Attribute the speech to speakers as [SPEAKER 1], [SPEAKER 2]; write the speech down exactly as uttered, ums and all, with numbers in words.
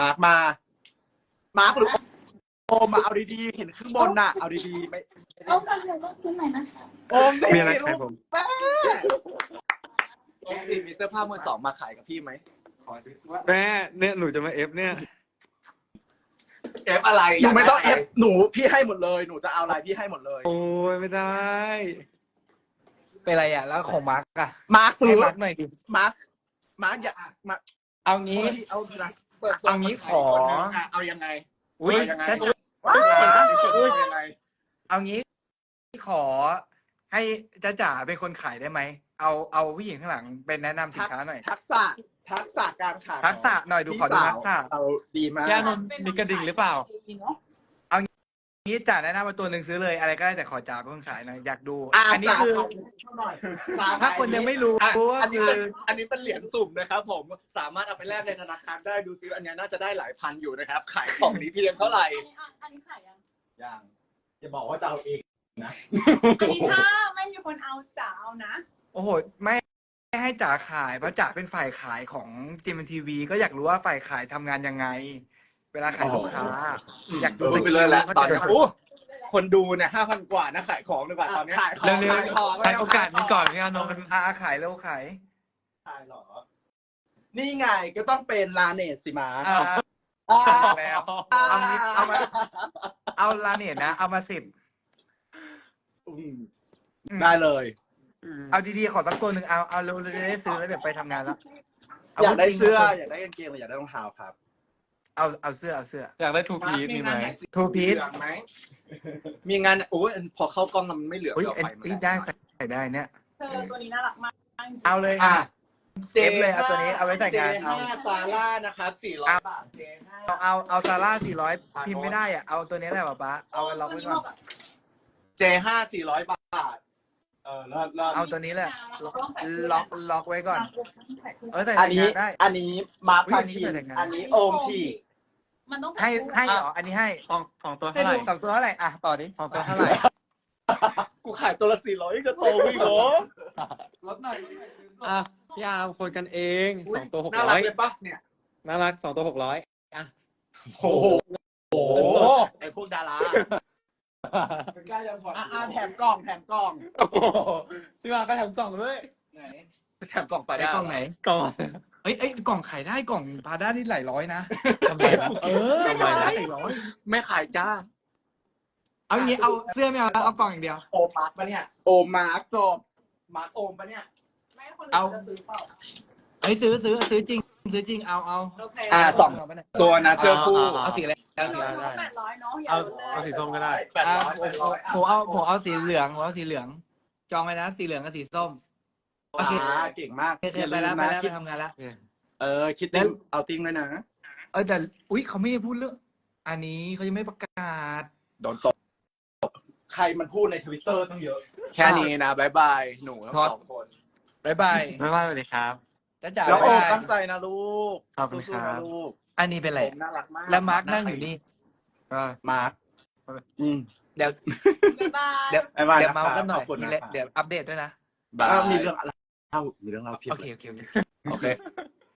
[SPEAKER 1] มาร์กมามาร์กหรือโอมมาเอาดีๆเห็นข้างบนน่ะเอาดีๆไม่
[SPEAKER 2] โอ้ฟังเดี๋ยวต้องซื้อใหม่นะคะ
[SPEAKER 1] โอมสิ
[SPEAKER 3] มีอะไรขายผม
[SPEAKER 1] แม่
[SPEAKER 4] โอมสิมีเสื้อผ้ามือสองมาขายกับพี่ไหม
[SPEAKER 3] แม่เนี่ยหนูจะมาเอฟเนี่ย
[SPEAKER 4] เอฟอะไร
[SPEAKER 1] หนูไม่ต้องเอฟหนูพี่ให้หมดเลยหนูจะเอาอะไรพี่ให้หมดเลย
[SPEAKER 3] โอ้ยไม่ได้
[SPEAKER 5] เป็นไรอ่ะแล้วของมาร์กอะ
[SPEAKER 1] มาร์กซื้
[SPEAKER 5] ให้
[SPEAKER 1] อ
[SPEAKER 5] มาร์กหน่อยดิ
[SPEAKER 1] มาร์กมาร์กอย่ามา
[SPEAKER 5] เอางี้
[SPEAKER 1] เอาทีละ
[SPEAKER 4] เปิดตัว
[SPEAKER 5] เอางี้ขอ
[SPEAKER 4] ะเอายังไง
[SPEAKER 5] อุ้ย
[SPEAKER 4] เอายังไง
[SPEAKER 5] ถ้า
[SPEAKER 1] ว้า
[SPEAKER 4] เอายังไง
[SPEAKER 5] เอางี้ขอให้จ้าจ๋าเป็นคนขายได้ไหมเอาเอาผู้หญิงข้างหลังเป็นแนะนำสินค้าหน่อย
[SPEAKER 1] ทักษะทักษะการขาย
[SPEAKER 5] ทักษะหน่อยดูขอดูทักษะ
[SPEAKER 1] เราดีมาก
[SPEAKER 3] ย่านนท์มีกระดิ่งหรือเปล่า
[SPEAKER 5] นี้จ๋าแนะนำมาตัวหนึ่งซื้อเลยอะไรก็ได้แต่ขอจ๋าเป็นคนขายหน่อยอยากดู
[SPEAKER 1] อ่ะ
[SPEAKER 5] อันนี้
[SPEAKER 1] จ๋า
[SPEAKER 5] คือ
[SPEAKER 1] ขอหน่อยจ๋
[SPEAKER 5] ถ้าคนยังไม่รู้
[SPEAKER 4] อ่ะ
[SPEAKER 5] ว่า
[SPEAKER 4] อันนี้
[SPEAKER 5] คื
[SPEAKER 4] เป็น
[SPEAKER 5] อ
[SPEAKER 4] อันนี้เป็นเหรียญสุ่มนะครับผมสามารถเอาไปแลกในธนาคารได้ดูซิอันนี้น่าจะได้หลายพันอยู่นะครับ ขายของนี้เพียงเท่าไหร่
[SPEAKER 2] อันนี้อันนี้ขายยัง
[SPEAKER 1] ยังจะบอกว่าจะเอาเองนะ
[SPEAKER 2] อันนี้ถ้าไม่มีคนเอาจ๋าเอานะ
[SPEAKER 5] โอ้โหไม่ไม่ให้จ๋าขายเพราะจ๋าเป็นฝ่ายขายของจีเอ็มทีวีก็อยากรู้ว่าฝ่ายขายทำงานยังไง เวลาขายลูกค้า อยากดู
[SPEAKER 4] ดูไปเลยแหละตอนนี้
[SPEAKER 5] เขาจะ
[SPEAKER 4] โอ้คนดูเนี่ยห้าพันกว่านะขายของดีกว่าตอนเนี้ย
[SPEAKER 1] ขายของ
[SPEAKER 5] เร็วๆ
[SPEAKER 1] ขายของ
[SPEAKER 3] ใช้โอกาสนี้ก่อนย่านนท์
[SPEAKER 5] อ่าขายเร็วขาย
[SPEAKER 1] ขายเหรอนี่ไงก็ต้องเป็นลาเนสสิมา
[SPEAKER 5] อ่า
[SPEAKER 1] อ่า
[SPEAKER 5] แล้ว เอางี้เอามา เอาลาเนตนะ เอามาสิบ
[SPEAKER 1] อืมได้เลย
[SPEAKER 5] เอาดีๆขอสักตัวหนึ่งเอาเอาเร็วๆจะได้ซื้อแล้วเดี๋ยวไปทำงานแล้ว
[SPEAKER 1] อยากได้
[SPEAKER 5] จริงๆ
[SPEAKER 1] เสื้ออยากได้กางเกงหรืออยากได้รองเท้าครับ
[SPEAKER 5] เอาเอาเสื้อเอาเสื้อ
[SPEAKER 3] อยากได้ทูพีซ
[SPEAKER 4] มี
[SPEAKER 3] มีไหม
[SPEAKER 4] งานไหนสี
[SPEAKER 5] ทูพีซ
[SPEAKER 4] เหลืองไหมมีงานโอ้ยพอเข้ากล้องแล้วมันไม่เหลือง
[SPEAKER 5] อุ้ย
[SPEAKER 4] เรา
[SPEAKER 5] เอ็น
[SPEAKER 4] ไปมัน
[SPEAKER 5] อีได้ใส่ได้เนี่ย
[SPEAKER 2] เธอตัวนี้น่ารักมาก
[SPEAKER 5] เอาเลย
[SPEAKER 1] อ่ะ
[SPEAKER 5] เจฟเลยเอาตัวนี้เอาไว้แต่งงาน
[SPEAKER 1] เจ
[SPEAKER 5] เอา
[SPEAKER 1] ห้าซาร่านะครับสี่ร้อยบาทเจห้า
[SPEAKER 5] เอาเอาเอาซาร่าสี่ร้อยพิมพ์ไม่ได้อ่ะเอาตัวนี้แหละป๊าป๊าเอาล็อกไว้ก่อน
[SPEAKER 1] เจห้าสี่ร้อยบาทเออเลิศเลิศ
[SPEAKER 5] เอาตัวนี้แหละล็อกล็อกไว้ก่อนเออใส่
[SPEAKER 1] อั
[SPEAKER 5] แต่
[SPEAKER 1] น
[SPEAKER 5] ง
[SPEAKER 1] นี้
[SPEAKER 5] งานได้
[SPEAKER 1] อันนี้มาร์ค
[SPEAKER 5] อุ๊ย
[SPEAKER 1] พา
[SPEAKER 5] อันนี้
[SPEAKER 1] คิน
[SPEAKER 5] แต่งงาน
[SPEAKER 1] อันนี้โอมที
[SPEAKER 2] มันต้อง
[SPEAKER 5] ให้ให้เหรออันนี้ให้
[SPEAKER 3] สองสองตัวเท่าไหร่
[SPEAKER 5] สองตัวเท่าไหร่อ่ะต่อดิ
[SPEAKER 3] สองตัวเท่าไหร่
[SPEAKER 4] กูขายตัวละสี่ร้อยจะโตอีกเหรอ
[SPEAKER 5] ลดหน่อย
[SPEAKER 3] อ่ะพี่อาร์มคนกันเองสองตัวหก
[SPEAKER 1] น่า
[SPEAKER 3] ร้
[SPEAKER 1] รั
[SPEAKER 3] อก ย
[SPEAKER 1] เลยปะเนี่ย
[SPEAKER 3] น่ารักสองตัวหกร้อยอ่ะ
[SPEAKER 1] โอ้โหโอ้โหไอพวกดารา
[SPEAKER 5] กล้ายังผ่อน
[SPEAKER 1] อ่ะอ่ะแถมกล่องแถมกล่อง
[SPEAKER 3] โอ้โหพี่มาร์มก็ทำกล่องด้วย
[SPEAKER 5] ไหน
[SPEAKER 4] แถมกล่องไป
[SPEAKER 5] ไอ้
[SPEAKER 4] ได้
[SPEAKER 5] กล่องไหน
[SPEAKER 3] กล่อง
[SPEAKER 5] เอ้ยเอ้ยกล่องขายได้กล่องพาด้านี่หลายร้อยนะ
[SPEAKER 3] ทำไมนะ
[SPEAKER 5] เออ
[SPEAKER 3] ทำไมนะ
[SPEAKER 5] หลายร้อย
[SPEAKER 4] ไม่ขายจ้า
[SPEAKER 5] เอางี้เอาเสื้อไม่เอาแล้วเอากล่องอย่างเดียว
[SPEAKER 1] โอมมาร์กปะเนี่ยโอมมาร์กจบมาร์กโอมปะเนี่ย
[SPEAKER 2] ไม่คนอื่นจะซื้อเปล่า
[SPEAKER 5] เฮ้ยซื้อซื้อซื้อจริงซื้อจริงเอาเอา
[SPEAKER 2] โอเค
[SPEAKER 1] อ่ะสอง
[SPEAKER 5] เาไปไหน
[SPEAKER 1] ตัวนะเสื้อคู่
[SPEAKER 5] เอาสีอะไรเอาสี
[SPEAKER 2] ร้
[SPEAKER 5] อะไร
[SPEAKER 2] อยแปดร้อยเนาะอย่า
[SPEAKER 3] เอา
[SPEAKER 2] ลดเลย
[SPEAKER 3] เอาสีส้มก็ได้
[SPEAKER 1] แปดร้อยแปดร้อย
[SPEAKER 5] ผมเอาผมเอาสีเหลืองผมเอาสีเหลือง จองไว้นะสีเหลืองกับสีส้ม โอเค
[SPEAKER 1] อ่าเก่งมาก
[SPEAKER 5] โอเคไปแล้วไปแล้วไปทำงานแล้ว
[SPEAKER 1] เออคิดติ้งเอาติ้งด้วยนะ
[SPEAKER 5] เออแต่อุ้ยเขาไม่ได้พูดเรื่องอันนี้เขายังไม่ประกาศ
[SPEAKER 1] โดนตบใครมันพูดในทวิตเตอร์ตั้งเยอะ
[SPEAKER 4] แค่นี้นะบายบายหนูทั้ง
[SPEAKER 5] ช็อต
[SPEAKER 4] สองคน
[SPEAKER 5] บายบาย
[SPEAKER 3] บ๊ายบายสวัสดีครับ
[SPEAKER 5] จ้าจ๋า
[SPEAKER 1] แล้วโอม
[SPEAKER 5] บ๊ายบาย
[SPEAKER 1] ตั้งใจนะลูก
[SPEAKER 3] ขอบคุณครับ
[SPEAKER 1] สู้ๆนะลูก
[SPEAKER 5] อันนี้เป็นอะไร
[SPEAKER 1] โอมน่ารักมาก
[SPEAKER 5] แล้วมาร์กนั่งอยู่นี่
[SPEAKER 3] ก็
[SPEAKER 1] มาร์กอืม
[SPEAKER 5] เดี๋ยว
[SPEAKER 2] บ๊ายบาย
[SPEAKER 5] เดี๋ยว
[SPEAKER 1] บ๊ายบาย
[SPEAKER 5] เดี๋ยว
[SPEAKER 1] นะครับ
[SPEAKER 5] เมาส์กันหน่อย
[SPEAKER 1] ขอบคุณ
[SPEAKER 5] มี
[SPEAKER 1] นะ
[SPEAKER 5] เละ
[SPEAKER 1] ครับ
[SPEAKER 5] เดี๋ยวอัปเดตด้วยนะ
[SPEAKER 4] บาย
[SPEAKER 1] ก็มีเรื่องอะไรเล่ามีเรื่องเล่าเพียบ
[SPEAKER 5] โอเค
[SPEAKER 1] เลย
[SPEAKER 5] โอเคโอเค
[SPEAKER 4] โอเค